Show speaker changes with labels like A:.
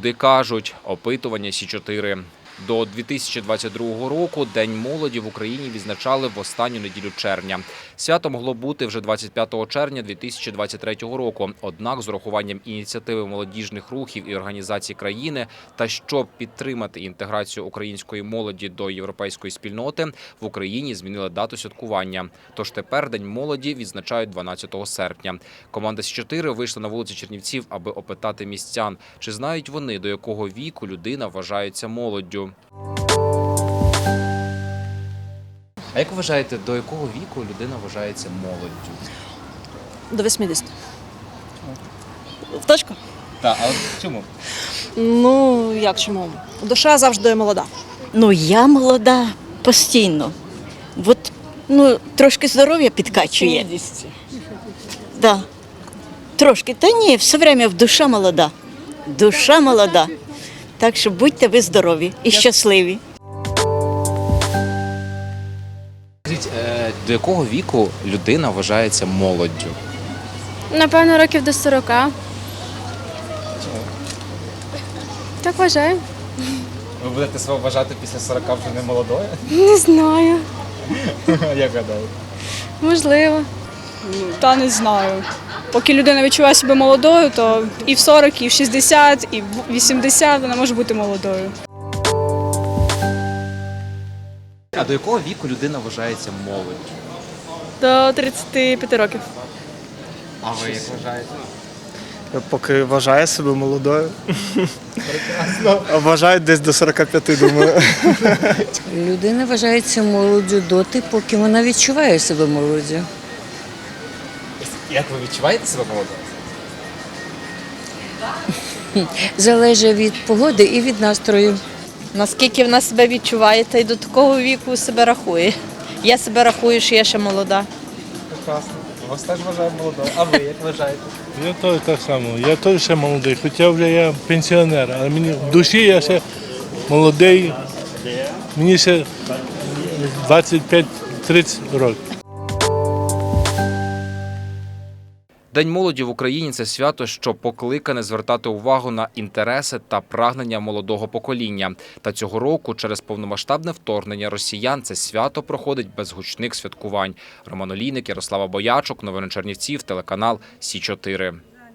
A: Люди кажуть, опитування Сі-4. До 2022 року День молоді в Україні відзначали в останню неділю червня. Свято могло бути вже 25 червня 2023 року. Однак з урахуванням ініціативи молодіжних рухів і організацій країни та щоб підтримати інтеграцію української молоді до європейської спільноти, в Україні змінили дату святкування. Тож тепер День молоді відзначають 12 серпня. Команда Сі-4 вийшла на вулиці Чернівців, аби опитати містян, чи знають вони, до якого віку людина вважається молоддю. А як вважаєте, до якого віку людина вважається молоддю?
B: До 80. В точку?
A: Так, а чому?
B: Ну, як чому? Душа завжди молода.
C: Ну, я молода постійно. От, трошки здоров'я підкачує. Да. Трошки. Та ні, все время душа молода. Душа молода. Так що будьте ви здорові і щасливі.
A: Скажіть, до якого віку людина вважається молоддю?
D: Напевно, років до 40. Так вважаю.
A: Ви будете себе вважати після 40 вже не молодою?
D: Не знаю.
A: Як гадаєте?
D: Можливо.
E: Та не знаю. Поки людина відчуває себе молодою, то і в 40, і в 60, і в 80 вона може бути молодою.
A: А до якого віку людина вважається молоддю?
D: До 35 років.
A: А ви як вважаєте?
F: Поки вважає себе молодою. Прекрасно. А вважають десь до 45, думаю.
G: Людина вважається молоддю доти, поки вона відчуває себе молоддю.
A: Як ви відчуваєте себе молодою?
G: Залежить від погоди і від настрою.
H: Наскільки вона себе відчуває, та й до такого віку себе рахує. Я себе рахую, що я ще молода.
F: Прекрасно. Вас теж вважаю молодою. А ви як вважаєте?
I: Я теж так само. Я теж ще молодий, хоча вже я пенсіонер, але мені в душі я ще молодий. Мені ще 25-30 років.
A: День молоді в Україні – це свято, що покликане звертати увагу на інтереси та прагнення молодого покоління. Та цього року через повномасштабне вторгнення росіян це свято проходить без гучних святкувань. Роман Олійник, Ярослава Боячук, новини Чернівців, телеканал Сі-4.